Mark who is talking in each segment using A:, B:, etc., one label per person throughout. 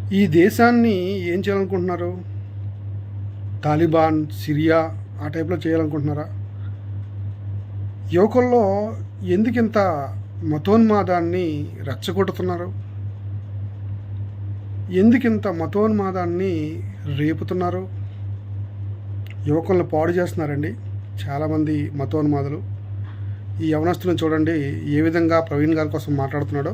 A: ఈ దేశాన్ని ఏం చేయాలనుకుంటున్నారు? తాలిబాన్, సిరియా ఆ టైప్‌లో చేయాలనుకుంటున్నారా? యువకుల్లో ఎందుకింత మతోన్మాదాన్ని రెచ్చగొడుతున్నారు? ఎందుకింత మతోన్మాదాన్ని రేపుతున్నారు? యువకులను పాడు చేస్తున్నారండి చాలామంది మతోన్మాదులు. ఈ యవనస్తులను చూడండి ఏ విధంగా ప్రవీణ్ గారి కోసం మాట్లాడుతున్నాడో.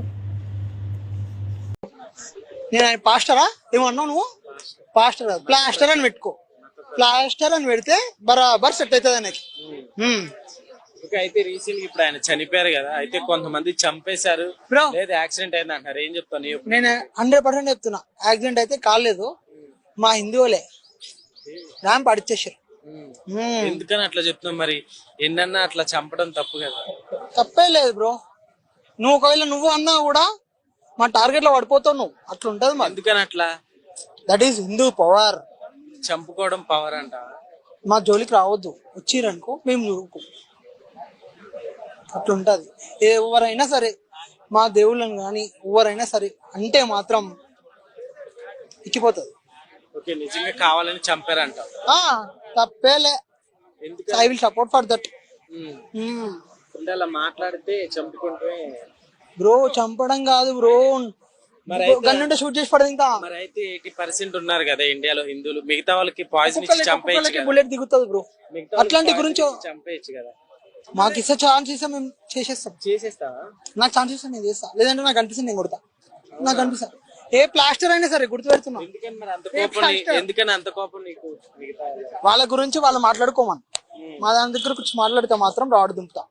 B: నేను ఆయన పాస్టరా ఏమన్నావు నువ్వు? పాస్టర్ కాదు, ప్లాస్టర్ అని పెట్టుకో. ప్లాస్టర్ అని పెడితే బరాబర్ సెట్ అవుతుంది ఆయనకి.
C: అయితే రీసెంట్ గా ఇప్పుడు ఆయన చనిపోయారు కదా, అయితే కొంతమంది చంపేశారు
B: బ్రో,
C: లేదా యాక్సిడెంట్ అయింది అంటారు, ఏం చెప్తాను?
B: నేను 100% చెప్తున్నా, యాక్సిడెంట్ అయితే కాలేదు. మా హిందువులే ర్యాంప్ అడిచేసారు.
C: ఎందుకని అట్లా చెప్తున్నావు? మరి ఎన్నన్నా అట్లా చంపడం తప్పు కదా?
B: తప్పే లేదు బ్రో. నువ్వు ఒకవేళ నువ్వు అన్నా కూడా మా టార్గెట్ లో పడిపోతావు నువ్వు. అట్లా ఉంటది మా.
C: ఎందుకని అట్లా?
B: That is Hindu power.
C: చంపుకోవడం పవర్ అంట.
B: మా జోలికి రావద్దు, వచ్చిరనుకో మేము చూడుకో. అట్లుంటది. ఎవరైనా సరే, మా దేవుళ్ళని కానీ ఎవరైనా సరే అంటే మాత్రం ఇక్కిపోతుంది.
C: ఓకే, నిజంగా కావాలని చంపారంట.
B: తప్పేలే.
C: ఎందుకు
B: I will support for that.
C: అలా మాట్లాడితే చంపుకుంటే
B: బ్రో, చంపడం కాదు బ్రో, గన్నుంటే షూట్ చేసి పడదు. ఇంకా
C: మరి అయితే 80% ఉన్నారు కదా ఇండియాలో హిందువులు, మిగతా వాళ్ళకి పాయిజన్ ఇచ్చి చంపేయచ్చు కదా.
B: బుల్లెట్ దిగుతుంది బ్రో. అట్లాంటి గురించి
C: చంపేయచ్చు కదా.
B: మాకు ఇస్తే ఛాన్స్ ఇస్తే మేము చేసేస్తావా? నాకు ఛాన్స్ ఇస్తే నేను చేస్తా, లేదంటే నాకు అనిపిస్తుంది నేను కొడతా. నాకు అనిపిస్తా ఏ ప్లాస్టర్ అయినా సరే గుర్తు పెడుతున్నా.
C: ఎందుకని అంత కోపం నీకు?
B: వాళ్ళ గురించి వాళ్ళు మాట్లాడుకోమని, మా దాని దగ్గర కూర్చొని మాట్లాడితే మాత్రం రాడు దింపుతా.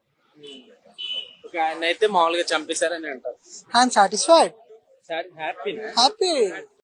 C: ఆయన అయితే మామూలుగా చంపేశారని అంటారు.
B: I'm satisfied,
C: happy.